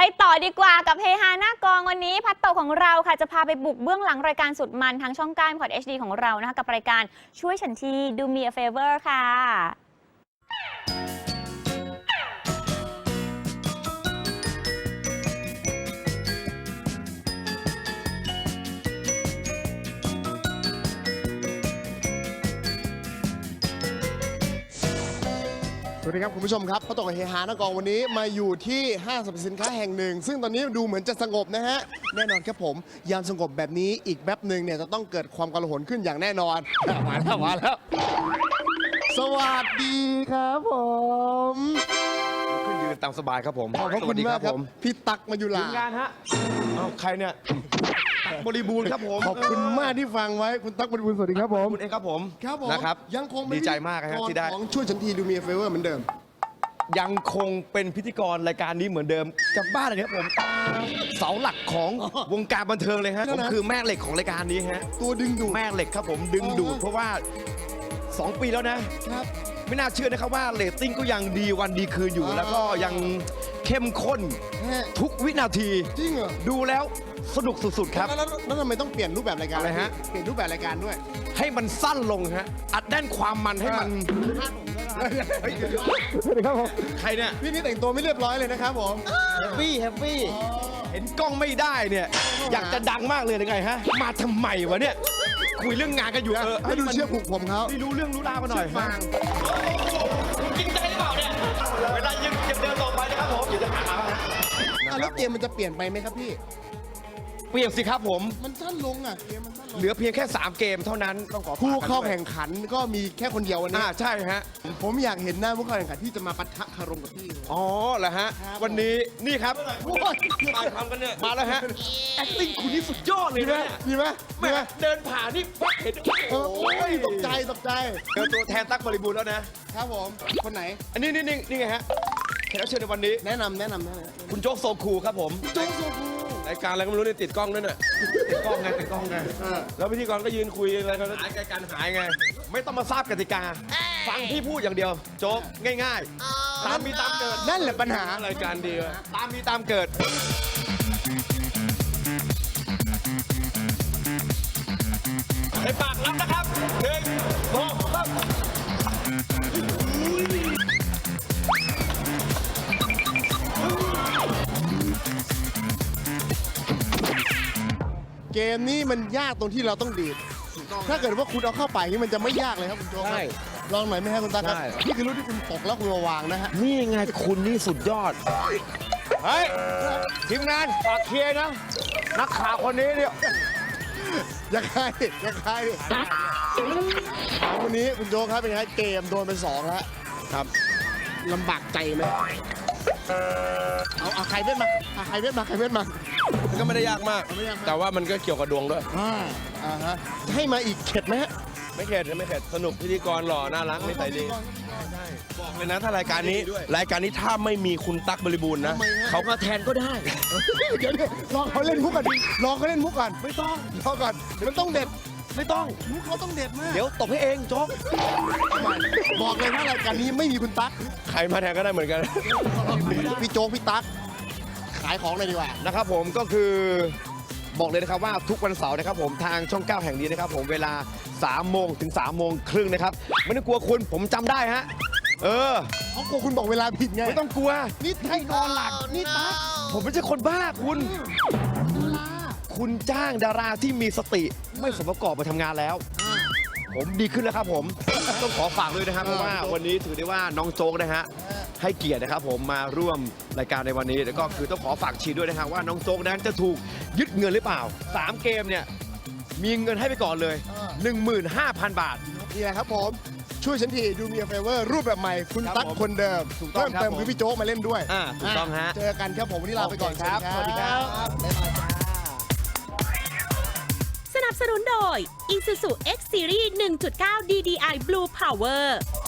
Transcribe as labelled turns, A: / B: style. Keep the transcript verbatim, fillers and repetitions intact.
A: ต่อดีกว่ากับเฮฮาหน้ากองวันนี้พัดโตของเราค่ะจะพาไปบุกเบื้องหลังรายการสุดมันทางช่องก้านพอด เอช ดี ของเรานะคะกับรายการช่วยฉันที Do Me a Favor ค่ะ
B: สวัสดีครับคุณผู้ชมครับพัดโตกับเฮฮาหน้ากองวันนี้มาอยู่ที่ห้างสรรพสินค้าแห่งหนึ่งซึ่งตอนนี้ดูเหมือนจะสงบนะฮะแน่นอนครับผมยามสงบแบบนี้อีกแป๊บหนึ่งเนี่ยจะต้องเกิดความกลาหลขึ้นอย่างแน่นอนมาแล้วมาแล้วสวัสดีครับผม
C: ขึ้นยืนตามสบายครับผม
B: ขอบคุณมากครับพี่ตั๊กมายุรา
C: ทีมงานฮะเอาใครเนี่ยตั๊กบริบูรณ์ครับผม
B: ขอบคุณมากที่ฟังไว้คุณตั๊กบริบูรณ์สวัสดีครับผม
C: คุณเองครับผม
B: ครับผม
C: นะครับ
B: ยังคง
C: ดีใจมากครับที่ได้
B: ของช่วยฉันทีดูมีเฟเวอร์เหมือนเดิม
C: ยังคงเป็นพิธีกรรายการนี้เหมือนเดิมจากบ้านเลยครับผมเสาหลักของวงการบันเทิงเลยฮะผมคือแม่เหล็กของรายการนี้ฮะ
B: ตัวดึงดูด
C: แม่เหล็กครับผมดึงดูดเพราะว่าสองปีแล้วนะครับ ไม่น่าเชื่อนะครับว่าเรตติ้งก็ยังดีวันดีคืนอยู่
B: อ่า
C: แล้วก็ยังเข้มข้น
B: ฮะ
C: ทุกวินาที
B: จริงเหรอ
C: ดูแล้วสนุกสุดๆครับ
B: แล้วแล้วแล้วทำไมต้องเปลี่ยนรูปแบบรายการ
C: อะไรฮะ
B: เปลี่ยนรูปแบบรายการด้วย
C: ให้มันสั้นลงฮะอัดแน่นความมันให้มันเฮ้ย
B: สวัสดีครับผม
C: ใครเนี่ย
B: พี่นี่แต่งตัวไม่เรียบร้อยเลยนะครับผม
C: แฮปปี้แฮปปี้เห็นกล้องไม่ได้เนี่ยอยากจะดังมากเลยยังไงฮะมาทำไมวะเนี่ยคุยเรื่องงานกันอยู่เออ
B: ให้ดูเชือกผูกผมเขา
C: ไม่รู้เรื่องรู้ราวมาหน่อย
B: ฟาง
C: คุณจริงใจหรือเปล่าเนี่ยเวลายังจะเดินต่อไปนะครับผมอย่าจะหามาฮะ
B: อ่ะแล้วเกมมันจะเปลี่ยนไปไหมครับพี่
C: เปลี่ยนสิครับผม
B: มันสั้นลงอ่ะเกมมันสั้นลง
C: เหลือเพียงแค่สามเกมเท่านั้นต้องขอฝก
B: ผู้เข้า
C: กันด้วย
B: แข่งขันก็มีแค่คนเดียววันนี้
C: อ่าใช่ฮะ
B: ผมอยากเห็นหน้าผู้เข้าแข่งขันที่จะมาปะทะคารมกับพี่
C: อ๋อเหรอฮะ
B: ครับ
C: วันนี้นี่ครับ
B: โอ้ย
C: มาทำกันเนี่ยมาแล้วฮะ acting คุณนี่สุดยอดเลย
B: ดีไหม
C: นะเนี่ย
B: ดีไหมดี
C: แม่
B: ไหม
C: เดินผ่านนี่ปั๊บเห็น
B: เออโอ้ยตกใจตกใจ
C: เจอตัวแทนตั๊กบริบูรณ์แล้วนะครับ
B: ผมคนไหน
C: อันนี้นี่นี่นี่ไงฮะแขกรับเชิญในวันนี้
B: แนะนำแนะนำแนะนำ
C: คุณโจ๊กโซคูครับผม
B: โจ๊กโซคู
C: รายการอะไรก็ไม่รู้เนี่ยติดกล้องด้วยเนี่ยติดกล้องไงติดกล้องไง
B: เออ
C: แล้วพิธีกรก็ยืนคุยอะไรกันหายการหายไง ไม่ต้องมาทราบกติกา ฟังพี่พูดอย่างเดียว โจ๊กง่ายๆ ตามมีตามเกิด
B: นั่นแหละปัญหา
C: รายการดีอะตามมีตามเกิดในปากรับนะครับหนึ่งสองสาม
B: เกมนี้มันยากตรงที่เราต้องดีดถ้าเกิดว่าคุณเอาเข้าไปนี่มันจะไม่ยากเลยครับคุณโจ๊กครับ
C: ใช่
B: ลองหน่อยไหมครับคุณตาครับ
C: ใช่
B: นี่คือรูปที่คุณตกแล้วคุณมาวางนะฮะ
C: นี่ไงคุณนี่สุดยอด เฮ้ย ทีมงานฝากเคลียร์นะ นักข่าวคนนี้เนี่ย
B: อย่าใครอย่าใครวันนี้คุณโจ๊กครับเป็นไงเกมโดนไปสองแล้ว
C: ครับ
B: ลำบากใจไหมเอาเอาใครเว้นมาเอาใครเว้นมาใครเว้นมา
C: มันก็ไม่ได้ยากมาก
B: ไม่ยากมาก
C: แต่ว่ามันก็เกี่ยวกับดวงด้วย
B: อ่าอ่าฮะให้มาอีกเข็ดไหมฮะ
C: ไม่เข็ดไม่เข็ดสนุกพิธีกรหล่อน่ารักนิสัยดีบอกเลยนะถ้ารายการนี้ รายการนี้ถ้าไม่มีคุณตั๊กบริบูรณ์นะ
B: ทำไมฮะ
C: เขามาแทนก็ได้
B: เดี๋ยวดิลองเขาเล่นมุกก่อนดิลองเขาเล่นมุกก่อน
C: ไม่ต้อง
B: รอก่อนเดี๋ยวมันต้องเด็ด
C: ไม่ต้อง
B: มุกเขาต้องเด็ดมาก
C: เดี๋ยวตบให้เองโจ๊ก
B: บอกเลยว่ารายการนี้ไม่มีคุณตั๊ก
C: ใครมาแทนก็ได้เหมือนกัน
B: พี่โจ๊กพี่ตั๊กขายของเลยดีกว่า
C: นะครับผมก็คือบอกเลยนะครับว่าทุกวันเสาร์นะครับผมทางช่องเก้าแห่งนี้นะครับผมเวลาสามโมงถึงสามโมงครึ่งนะครับไม่ต้องกลัวคุณผมจำได้ฮะเออ
B: เขากลัวคุณบอกเวลาผิดไง
C: ไม่ต้องกลัว
B: นี่ให้นอนหลับนี่ตั๊ก
C: ผมไม่ใช่คนบ้าคุณ คุณจ้างดาราที่มีสติไม่สมประกอบไปทำงานแล้ว ผมดีขึ้นแล้วครับผม ต้องขอฝากด้วยนะครับเพราะว่าวันนี้ถือได้ว่าน้องโจ๊กนะฮะให้เกียรตินะครับผมมาร่วมรายการในวันนี้แล้วก็คือต้องขอฝากชีด้วยนะครับว่าน้องโจ๊กนั้นจะถูกยึดเงินหรือเปล่าสามเกมเนี่ยมีเงินให้ไปก่อนเลย หนึ่งหมื่นห้าพัน บาท
B: นี่แหละครับผมช่วยฉันทีดูมีเฟเวอร์รูปแบบใหม่คุณ
C: ครับ
B: ตั๊ก
C: ผม
B: คนเดิม
C: ถูกต้อง
B: เพิ่มเติม
C: ครับผม
B: คือพี่โจ๊กมาเล่นด้วย
C: อ่าถูกต้องฮะ
B: เจอกันครับผมวันนี้ลาไปก่อน
C: โอเคครับสวัสดีครับ
B: บ๊ายบายจ้า
D: สนับสนุนโดย Isuzu X Series หนึ่งจุดเก้า ดี ดี ไอ Blue Power